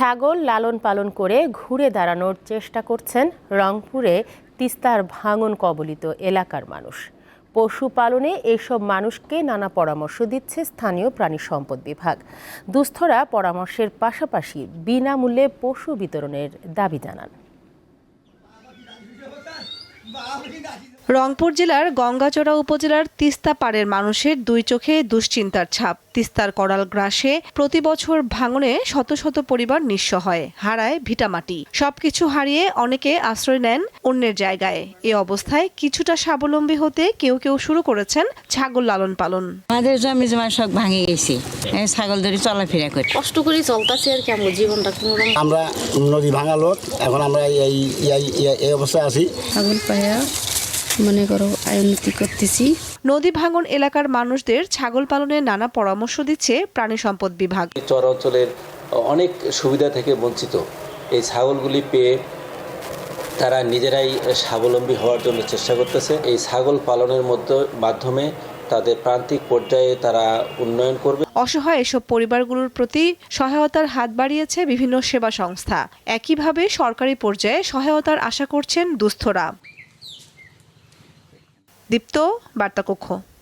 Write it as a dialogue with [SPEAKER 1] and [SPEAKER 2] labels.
[SPEAKER 1] ছাগল লালন পালন করে ঘুরে দাঁড়ানোর চেষ্টা করছেন রংপুরে তিস্তার ভাঙন কবলিত এলাকার মানুষ। পশুপালনে এসব মানুষকে নানা পরামর্শ দিচ্ছে স্থানীয় প্রাণী সম্পদ বিভাগ। দুস্থরা পরামর্শের পাশাপাশি বিনামূল্যে পশু বিতরণের দাবি জানান।
[SPEAKER 2] রংপুর জেলার গঙ্গাচড়া উপজেলার তিস্তা পাড়ের মানুষের দুই চোখে দুশ্চিন্তার ছাপ। তিস্তার করাল গ্রাসে প্রতি বছর ভাঙনে শত শত পরিবার নিঃস্ব হয়, হারায় ভিটামাটি। সবকিছু হারিয়ে অনেকে আশ্রয় নেন অন্যের জায়গায়। এ অবস্থায় কিছুটা স্বাবলম্বী হতে কেউ কেউ শুরু করেছেন ছাগল লালন পালন।
[SPEAKER 3] আমাদের জমি জমা সব ভাঙে গেছে, ছাগল ধরে চলাফেরা করি,
[SPEAKER 4] কষ্ট করে চলতেছে আর কি। আমরা জীবনটা
[SPEAKER 5] আমরা নদী ভাঙা লোক, এখন আমরা এই অবস্থায় আছি।
[SPEAKER 4] ছাগল পায়া মনে করো আয়োন্নতি করতেছি।
[SPEAKER 2] নদী ভাঙন এলাকার মানুষদের ছাগল পালনের নানা পরামর্শ দিচ্ছে প্রাণী সম্পদ বিভাগ।
[SPEAKER 6] চর অঞ্চলের অনেক সুবিধা থেকে বঞ্চিত এই ছাগলগুলি পেয়ে তারা নিজেরাই স্বাবলম্বী হওয়ার জন্য চেষ্টা করতেছে। এই ছাগল পালনের মাধ্যমে তাদের প্রান্তিক পর্যায়ে তারা উন্নয়ন করবে।
[SPEAKER 2] অসহায় এসব পরিবারগুলোর প্রতি সহায়তার হাত বাড়িয়েছে বিভিন্ন সেবা সংস্থা। একইভাবে সরকারি পর্যায়ে সহায়তার আশা করছেন দুস্থরা। দীপ্ত, বার্তা কক্ষ।